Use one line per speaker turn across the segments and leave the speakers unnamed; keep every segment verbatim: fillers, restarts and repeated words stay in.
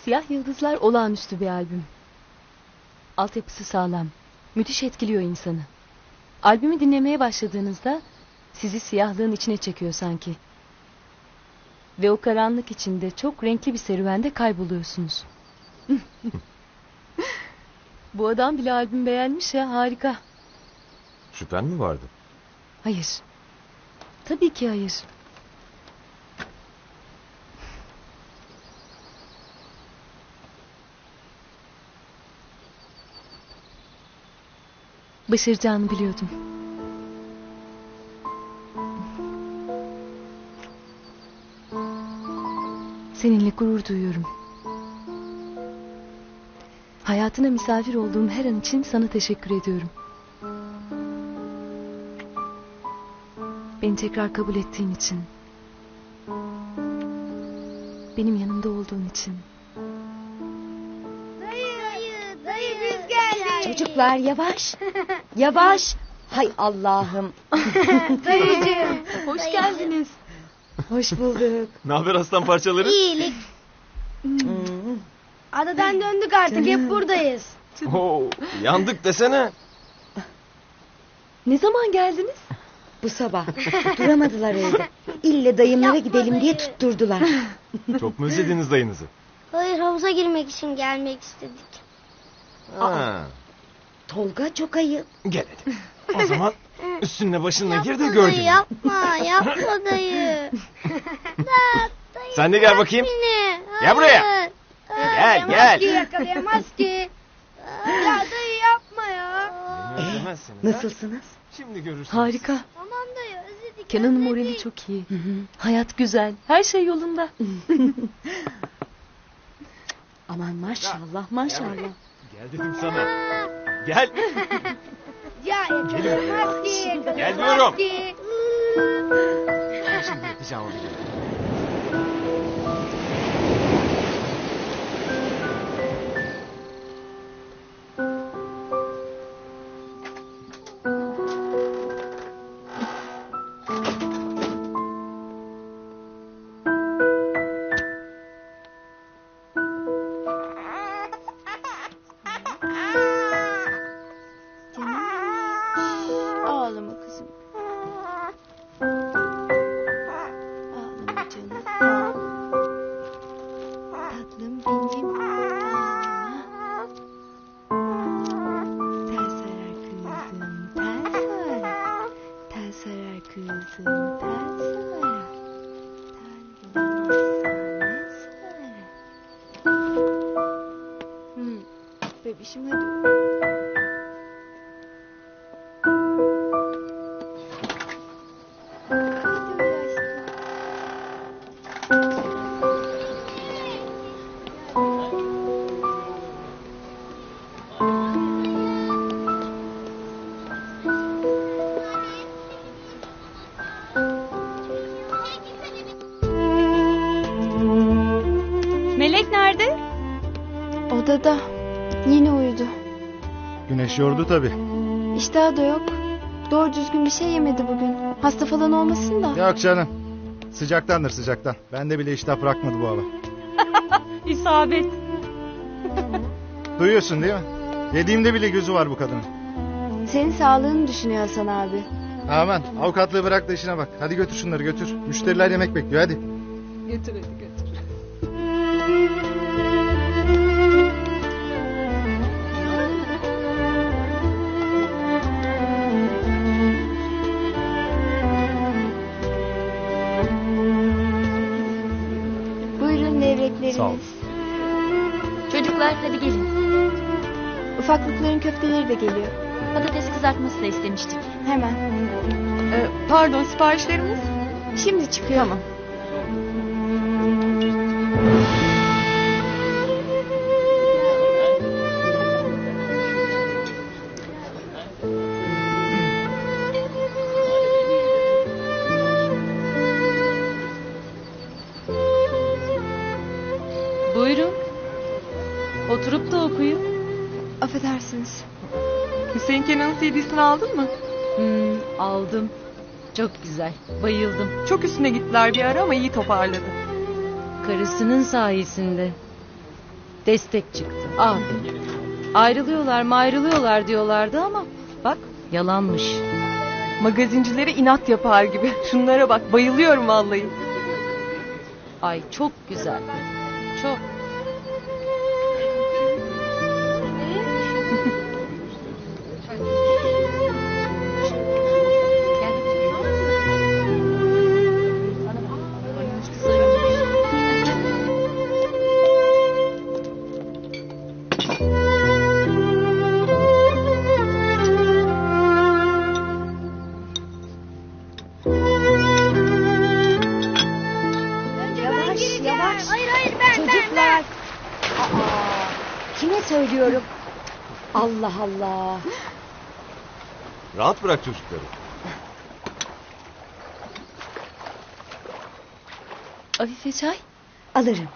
Siyah Yıldızlar olağanüstü bir albüm. Altyapısı sağlam. Müthiş etkiliyor insanı. Albümü dinlemeye başladığınızda sizi siyahlığın içine çekiyor sanki. Ve o karanlık içinde çok renkli bir serüvende kayboluyorsunuz. Bu adam bile albüm beğenmiş ya, harika.
Şüphen mi vardı?
Hayır. Tabii ki hayır. Başaracağını biliyordum. Seninle gurur duyuyorum. Hayatına misafir olduğum her an için sana teşekkür ediyorum. Beni tekrar kabul ettiğin için. Benim yanımda olduğun için.
Dayı, dayı, dayı biz geldik.
Çocuklar yavaş. Yavaş. Hay Allah'ım.
Dayıcığım.
Hoş geldiniz.
Hoş bulduk.
Ne haber aslan parçaları?
İyilik.
Hmm.
Adadan döndük artık,
Canım.
hep buradayız.
Oo, yandık desene.
Ne zaman geldiniz?
Bu sabah duramadılar evde. İlle dayımlara
Yapma
gidelim diye
dayı.
tutturdular.
Çok mu özlediniz dayınızı?
Hayır, havuza girmek için gelmek istedik.
Ha,
Tolga çok ayıp.
gel hadi. O zaman üstünle başınla gir de
Yapma
gör
dayı,
gününü.
yapma, yapma dayı. Da, dayı
Sen de gel
bırak
bakayım.
beni.
Gel buraya.
Hayır.
Gel, gel.
Ki yakalayamaz ki. Ya dayı yapma ya.
Beni özlemezsiniz ha?
Nasılsınız?
Şimdi görürsünüz.
Harika.
Tamam dayı, özledik.
Kenan'ın
özledik.
morali çok iyi. Hayat güzel. Her şey yolunda.
Aman maşallah maşallah.
Gel dedim sana. Gel.
Ya yakalayamaz ki.
Gel
yakalayamaz
diyorum.
ki.
Şimdi yapacağım onu.
Ağlama kızım. Ağlama canım. Tatlım benim. Ağlama. Tel sarar kızım, tel sarar. Tel sarar kızım, tel sarar. Tel bulamazsan ne sarar? Hmm. Bebişim hadi.
Melek nerede?
Odada. Yine uyudu.
Güneş yordu tabii.
İştahı da yok. Doğru düzgün bir şey yemedi bugün. Hasta falan olmasın da.
Yok canım. Sıcaktandır sıcaktan. Bende bile iştah bırakmadı bu hava.
İsabet.
Duyuyorsun değil mi? Yediğimde bile gözü var bu kadının.
Senin sağlığını düşünüyor Hasan abi.
Aman avukatlığı bırak da işine bak. Hadi götür şunları götür. Müşteriler yemek bekliyor hadi.
Götür hadi götür.
Buyurun levrekleriniz.
Sağ ol.
Çocuklar hadi gelin.
Ufaklıkların köfteleri de geliyor.
Patates kızartması da istemiştik.
Hemen.
Ee, pardon, siparişlerimiz?
Şimdi çıkıyor.
Tamam. Buyurun. Oturup da okuyun.
Affedersiniz.
Hüseyin Kenan'ın C D'sini aldın mı?
Hmm, aldım. Çok güzel. Bayıldım.
Çok üstüne gittiler bir ara ama iyi toparladı.
Karısının sayesinde. Destek çıktı. Aferin. Ayrılıyorlar mı ayrılıyorlar diyorlardı ama bak yalanmış.
Magazincilere inat yapar gibi. Şunlara bak, bayılıyorum vallahi.
Ay çok güzel. Çok.
Yavaş yavaş.
Hayır hayır ben ben ben.
Çocuklar. Aa, kime söylüyorum? Allah Allah.
Rahat bırak çocukları.
Afife çay.
Alırım.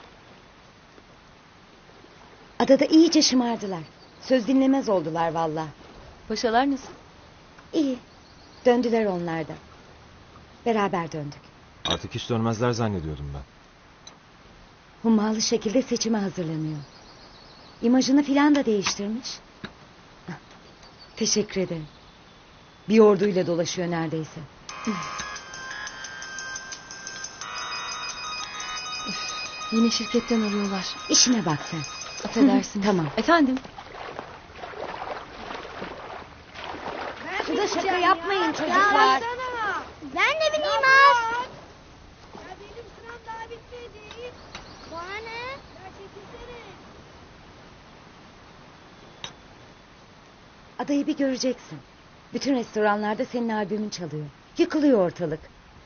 Adada iyice şımardılar. Söz dinlemez oldular valla.
Paşalar nasıl?
İyi. Döndüler onlar da. Beraber döndük.
Artık hiç dönmezler zannediyordum ben.
Hummalı şekilde seçime hazırlanıyor. İmajını filan da değiştirmiş. Ah, teşekkür ederim. Bir orduyla dolaşıyor neredeyse.
Yine şirketten arıyorlar.
İşine bak sen.
Affedersin.
Tamam.
Efendim?
Şurada şaka yapmayın
Ya
çocuklar.
baksana. Ben de bileyim az. Ya benim sıram daha bitmedi. Bana ne? Ya çekilsene.
Adayı bir göreceksin. Bütün restoranlarda senin albümün çalıyor. Yıkılıyor ortalık.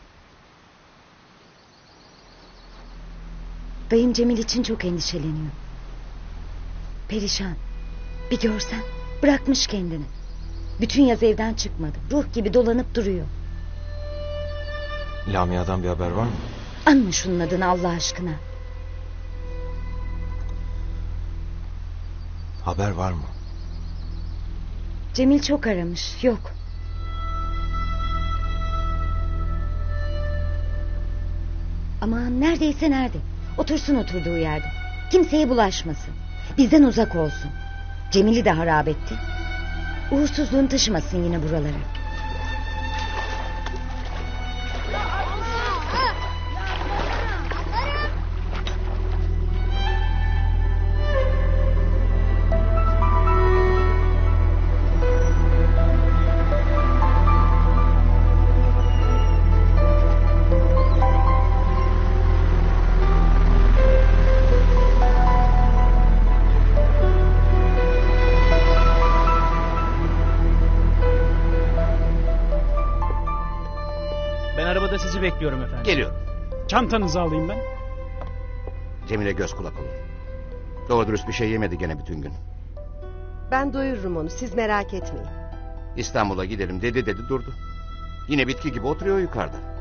Dayım Cemil için çok endişeleniyor. Perişan. Bir görsen bırakmış kendini. Bütün yaz evden çıkmadı. Ruh gibi dolanıp duruyor.
Lamia'dan bir haber var mı?
Anma şunun adını Allah aşkına.
Haber var mı?
Cemil çok aramış. Yok. Aman neredeyse nerede? Otursun oturduğu yerde. Kimseye bulaşmasın. Bizden uzak olsun. Cemil'i de harap etti. Uğursuzluğunu taşımasın yine buralara.
Ben arabada sizi bekliyorum efendim.
Geliyorum.
Çantanızı alayım ben.
Cemile göz kulak olun. Doğru dürüst bir şey yemedi gene bütün gün.
Ben doyururum onu, siz merak etmeyin.
İstanbul'a gidelim dedi dedi durdu. Yine bitki gibi oturuyor yukarıda.